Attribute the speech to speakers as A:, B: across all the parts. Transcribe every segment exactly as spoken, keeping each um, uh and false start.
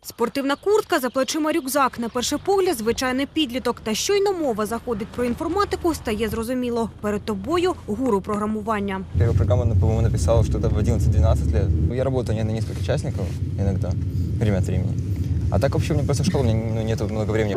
A: Спортивна куртка, за плечима рюкзак. На перший погляд звичайний підліток. Та щойно мова заходить про інформатику, стає зрозуміло. Перед тобою гуру програмування.
B: Первую программу, по-моему, написал что-то в одиннадцать-двенадцать лет. Я работаю не на несколько частников иногда, время от времени. А так вообще у меня просто школа, у меня ну, нет много времени.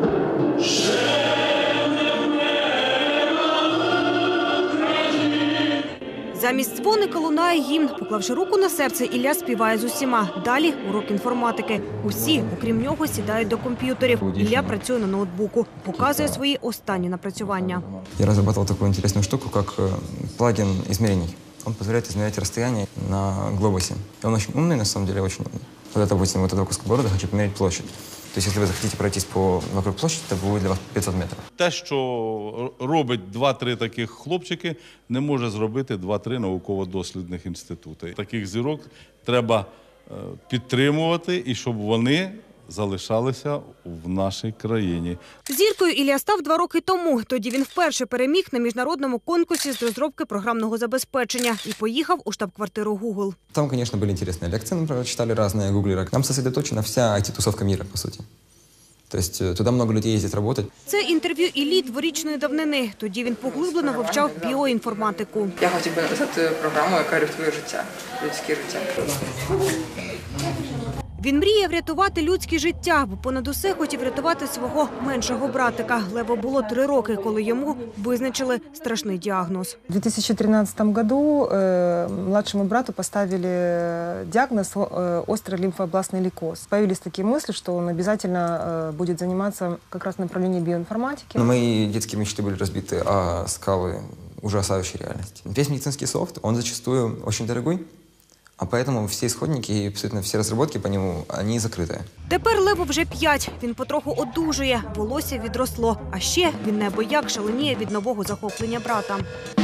A: Замість дзвоника лунає гімн. Поклавши руку на серце, Ілля співає з усіма. Далі урок інформатики. Усі, окрім нього, сідають до комп'ютерів. Ілля працює на ноутбуку. Показує свої останні напрацювання.
B: Я разрабатывал такую интересную штуку, как плагин измерений. Он позволяет измерять расстояние на глобусе. И он очень умный, на самом деле, очень умный. Вот это, допустим, вот этого куска города хочу померить площадь. То есть, если вы захотите пройтись по вокруг площади, то будет для вас пятьсот метрів.
C: Те, що робить два-три таких хлопчики, не може зробити два-три науково-дослідних інститути. Таких зірок треба підтримувати і щоб вони залишалися в нашій країні.
A: Зіркою Ілля став два роки тому. Тоді він вперше переміг на міжнародному конкурсі з розробки програмного забезпечення і поїхав у штаб-квартиру Google.
B: Там, конечно, были интересные лекции, мы прочитали разные гуглеры. Там сосредоточена вся ай ти-тусовка мира, по сути. То есть туда много людей ездит работать.
A: Це інтерв'ю Іллі дворічної давнини. Тоді він поглиблено вивчав біоінформатику.
D: Я хотів би написати програму, яка рятує життя, людське життя.
A: Він мріє врятувати людське життя, бо понад усе хотів врятувати свого меншого братика. Леву було три роки, коли йому визначили страшний діагноз.
E: В две тысячи тринадцатом году э, младшему брату поставили диагноз э, острый лимфообластный лейкоз. Появились такие мысли, что он обязательно э, будет заниматься как раз в направлении биоинформатики.
B: Но мои детские мечты были разбиты о скалы ужасающей реальности. Весь медицинский софт, он зачастую очень дорогой. А поэтому все исходники и абсолютно все разработки по нему, они закрыты.
A: Тепер Леву вже п'ять. Він потроху одужує, волосся відросло. А ще він неабияк шаленіє від нового захоплення брата.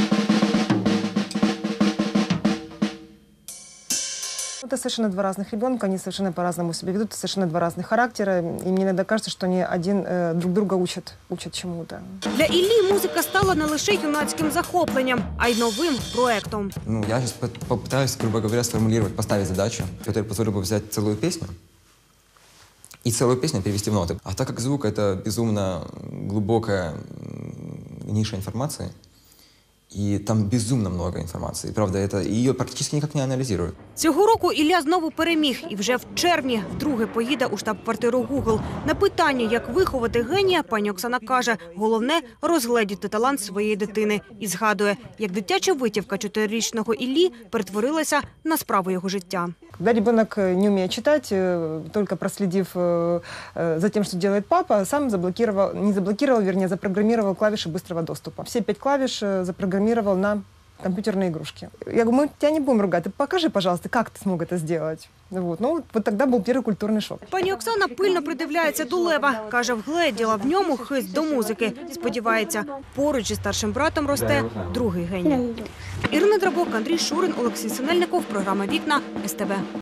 E: Это совершенно два разных ребенка, они совершенно по-разному себя ведут, совершенно два разных характера. И мне иногда кажется, что они один э, друг друга учат, учат чему-то.
A: Для Іллі музика стала не лише юнацьким захопленням, а й новим проектом.
B: Ну, я сейчас попытаюсь, грубо говоря, сформулировать, поставить задачу, которая позволила бы взять целую песню и целую песню перевести в ноты. А так как звук — это безумно глубокая ниша информации, и там безумно много информации. Правда, это ее практически никак не анализируют.
A: Цього року Ілля знову переміг. І вже в червні вдруге поїде у штаб-квартиру Google. На питання, як виховати генія, пані Оксана каже, головне – розгледіти талант своєї дитини. І згадує, як дитяча витівка чотирирічного Іллі перетворилася на справу його життя.
E: Когда ребенок не умеет читать, только проследив за тем, что делает папа, сам заблокировал, не заблокировал, вернее, запрограммировал клавиши быстрого доступа. Все пять клавиш запрограммировал на компьютерные игрушки. Я говорю, мы тебя не будем ругать, ты покажи, пожалуйста, как ты смог это сделать. Вот. Ну, вот тогда был первый культурный шок.
A: Пані Оксана пильно придивляється до Лева. Каже, вгледіла в ньому хист до музики. Сподівається, поруч із старшим братом росте другий геній. Ірина Драбок, Андрій Шурин, Олексій Синельников. Програма «Вікна» ес те ве.